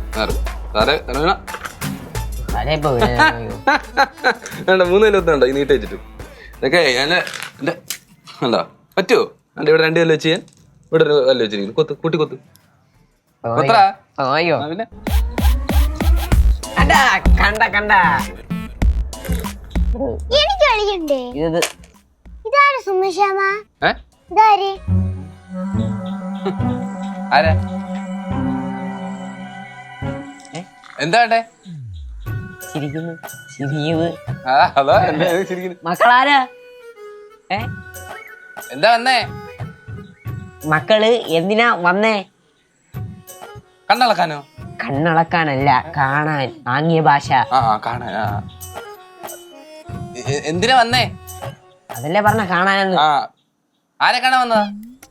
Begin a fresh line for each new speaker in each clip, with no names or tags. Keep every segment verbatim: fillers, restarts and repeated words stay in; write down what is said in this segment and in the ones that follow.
മൂന്ന് കല്ലുണ്ടോ ഈ നീട്ട് വെച്ചിട്ട് ഇതൊക്കെ ഞാൻ എന്റെ എന്താ പറ്റുമോ എന്റെ ഇവിടെ രണ്ട് കല്ല് വെച്ച് ഞാൻ ഇവിടെ ഒരു കല്ല് വെച്ചിരിക്കുന്നു കൊത്ത് കൂട്ടി കൊത്ത് കൊത്തറാ പിന്നെ
കണ്ട കണ്ട
എനിക്ക് കളിക്കണ്ടേ ഇതാര് സുമേഷാമ ഇതാര്
ആരാ എന്താ വേണ്ടേ
മക്കളാരാ
എന്താ വന്നേ
മക്കള് എന്തിനാ വന്നേ
കണ്ണളക്കാനോ
കണ്ണളക്കാനല്ല കാണാൻ ആംഗ്യ ഭാഷ
ആ കാണാൻ എന്തിനാ വന്നേ
അതല്ലേ പറഞ്ഞ കാണാനെന്ന്
ആ ആരെ കാണാൻ വന്നതാ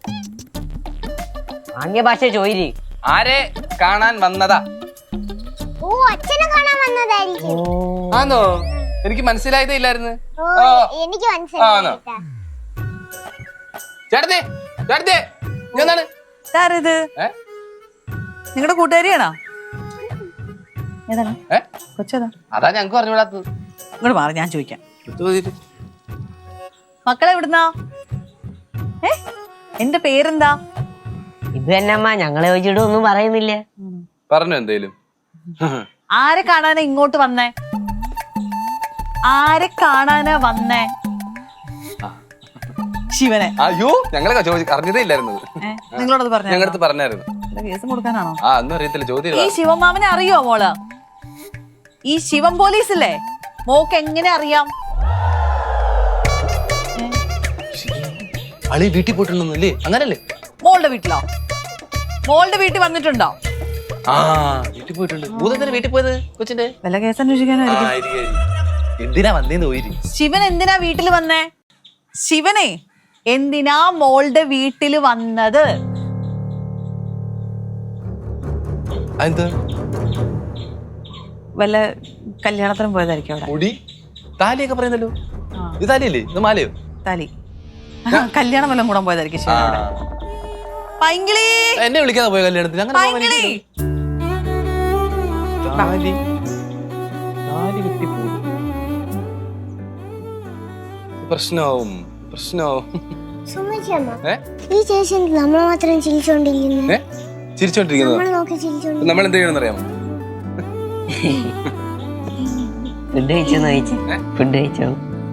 ആംഗ്യ ഭാഷ ചോയില്
ആരെ കാണാൻ വന്നതാ
ഓ അച്ഛനെ കാണാൻ വന്നതായിരിക്കും
ആണോ എനിക്ക് മനസ്സിലായതേ ഇല്ലായിരുന്നു
എനിക്ക് മനസ്സിലായി
ചേട്ടത്തെ ചേട്ടത്തെ എന്താണ്
ആരത് നിങ്ങളുടെ കൂട്ടുകാരിയാണോ ഏതാണ് കൊച്ചേതാ
അതാ ഞങ്ങക്ക് പറഞ്ഞുകൂടാത്തത്
ഇങ്ങോട്ട് മാറി ഞാൻ ചോദിക്കാം മക്കളെ എവിടുന്നാ ഏ എന്റെ പേരെന്താ
ഇത് തന്നെ അമ്മ ഞങ്ങളെ ചോദിച്ചിട്ട് ഒന്നും പറയുന്നില്ല
പറഞ്ഞു എന്തേലും
ആരെ കാണാനാ ഇങ്ങോട്ട് വന്നേ ആരെ കാണാനാ വന്നേ ശിവനെ
അയ്യോ ഞങ്ങളെ അറിഞ്ഞതേ ഇല്ലായിരുന്നു
നിങ്ങളോടത് പറഞ്ഞു
ഞങ്ങളടുത്ത് പറഞ്ഞായിരുന്നു
കേസ് കൊടുക്കാനാണോ
ആ ഒന്നും അറിയത്തില്ല ചോദ്യം
ഈ ശിവമാമനെ അറിയോ മോള് ഈ ശിവം പോലീസില്ലേ മോക്ക് എങ്ങനെ അറിയാം
അളി വീട്ടിൽ പോയിട്ടുണ്ടല്ലേ അങ്ങനല്ലേ
മോളുടെ വീട്ടിലോ മോളുടെ വീട്ടിൽ വന്നിട്ടുണ്ടോ
ആ വീട്ടിൽ പോയിട്ടുണ്ട് ഭൂതത്തിന് വീട്ടിൽ പോയത് കൊച്ചിന്റെ
വല്ല കേസ് അന്വേഷിക്കാനായിരിക്കും
എന്തിനാ വന്നേന്ന് പോയി
ശിവൻ എന്തിനാ വീട്ടിൽ വന്നേ ശിവനെ എന്തിനാ മോളുടെ വീട്ടിൽ വന്നത് വല്ല കല്യാണത്തിനും പോയതായിരിക്കും അവിടെ
മുടി താലിയൊക്കെ പറയുന്നല്ലോ ഇത് താലിയല്ലേ ഇത് മാലയോ
താലി കല്യാണം വല്ലതും കൂടാൻ പോയതായിരിക്കും ശിവനോട് പൈങ്കിളി
എന്നെ വിളിക്കാതെ പോയ കല്യാണത്തിന് അങ്ങനെ
പൈങ്കിളി
പ്രശ്നമാവും പ്രശ്നമാവും
ഈ ചേച്ചി നമ്മൾ മാത്രം ചിരിച്ചോണ്ടിരിക്കുന്നു
ചിരിച്ചോണ്ടിരിക്കുന്നത് നമ്മൾ എന്ത് ചെയ്യണമെന്ന് അറിയാമോ
ഫുഡ് കഴിച്ചോന്ന് ചോദിച്ചു ഫുഡ് കഴിച്ചോ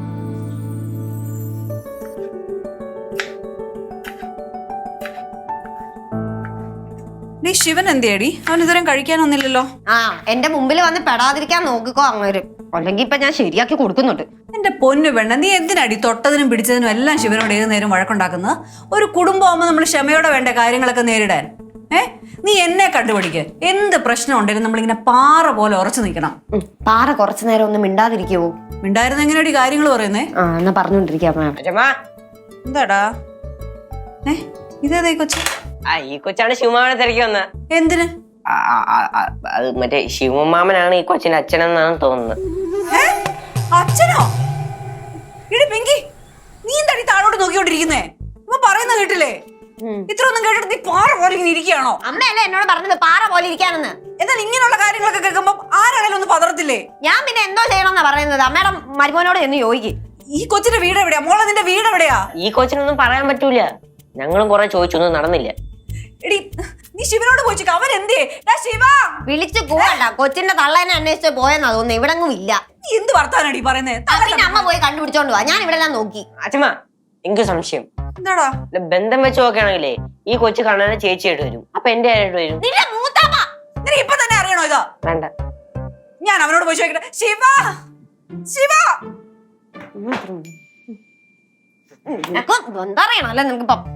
നീ ശിവൻ എന്തിയടി അവൻ ഇതുവരെ കഴിക്കാനൊന്നില്ലല്ലോ
ആ എന്റെ മുമ്പിൽ വന്ന് പെടാതിരിക്കാൻ നോക്കിക്കോ അങ്ങനെ അല്ലെങ്കിൽ ഇപ്പൊ ഞാൻ ശരിയാക്കി കൊടുക്കുന്നുണ്ട്
എന്റെ പൊന്നു പെണ്ണ നീ എന്തിനടി തൊട്ടതിനും പിടിച്ചതിനും എല്ലാം ശിവനോട് ഏത് നേരം വഴക്കുണ്ടാക്കുന്നത് ഒരു കുടുംബമാകുമ്പോൾ നമ്മൾ ക്ഷമയോടെ വേണ്ട കാര്യങ്ങളൊക്കെ നേരിടാൻ ഏ നീ എന്നെ കണ്ടുപിടിക്ക് എന്ത് പ്രശ്നം ഉണ്ടെങ്കിലും നമ്മളിങ്ങനെ പാറ പോലെ ഉറച്ചു നിൽക്കണം
പാറ കുറച്ചു നേരം ഒന്ന് മിണ്ടാതിരിക്കുവോ
മിണ്ടായിരുന്ന എങ്ങനെയാടി കാര്യങ്ങൾ പറയുന്നേ
ആ എന്നാ പറഞ്ഞോണ്ടിരിക്കാം
എന്താടാ ഏ ഇതേതാ കൊച്ചു
ആ ഈ കൊച്ചാണ് ശിവമാമനെ തിരക്കി വന്ന
എന്തിന്
അത് മറ്റേ ശിവമാമനാണ് ഈ കൊച്ചിന്റെ അച്ഛനെന്നാണ് തോന്നുന്നത്
അച്ഛനോ ഇടി പിങ്കി നീ എന്താടി താഴോട്ട് നോക്കിക്കൊണ്ടിരിക്കുന്നേ ഇപ്പൊ പറയുന്ന കേട്ടില്ലേ ഇത്ര ഒന്നും കേട്ടിട്ട് നീ പാറ പോലെ ഇങ്ങനെ ഇരിക്കുകയാണോ
അമ്മയല്ലേ എന്നോട് പറഞ്ഞത് പാറ പോലെ ഇരിക്കാനെന്ന്
എന്നാൽ ഇങ്ങനെയുള്ള കാര്യങ്ങളൊക്കെ കേൾക്കുമ്പോ ആരാണേലും ഒന്ന് പതറത്തില്ലേ
ഞാൻ പിന്നെ എന്തോ ചെയ്യണമെന്നാ പറയുന്നത് അമ്മയുടെ മരുമോനോട് എന്ന് ചോദിക്കും
ഈ കൊച്ചിന്റെ വീട് എവിടെയാ മോളെ നിന്റെ വീട് എവിടെയാ
ഈ കൊച്ചിനൊന്നും പറയാൻ പറ്റൂല ഞങ്ങളും കുറെ ചോദിച്ചൊന്നും നടന്നില്ല
എടി നീ ശിവനോട് ചോദിച്ചു അവൻ എന്തേ ശിവ
വിളിച്ചു പോകണ്ട കൊച്ചിന്റെ തള്ളേനെ അന്വേഷിച്ച് പോയെന്നാ തോന്നുന്നു ഇവിടെ ഇല്ല
നീ എന്ത് വർത്താനടി പറയുന്നേ
പിന്നെ അമ്മ പോയി കണ്ടുപിടിച്ചോണ്ട് പോവാ ഞാൻ ഇവിടെ എല്ലാം നോക്കി
അച്ഛമ്മ എനിക്ക് സംശയം
എന്താടാ
ബന്ധം വെച്ച് നോക്കുകയാണെങ്കിലേ ഈ കൊച്ചു കാണാൻ ചേച്ചിയായിട്ട് വരും അപ്പൊ എന്റെ ആയിട്ട് വരും
നിന്റെ മൂത്താമ്മ
നിനക്ക് ഇപ്പൊ തന്നെ അറിയണോ ഇതാ
വേണ്ട
ഞാൻ അവനോട് പോയി ചോദിക്കട്ടെ ശിവ ശിവ
എന്താ അറിയണോ അല്ലെ നിനക്കിപ്പം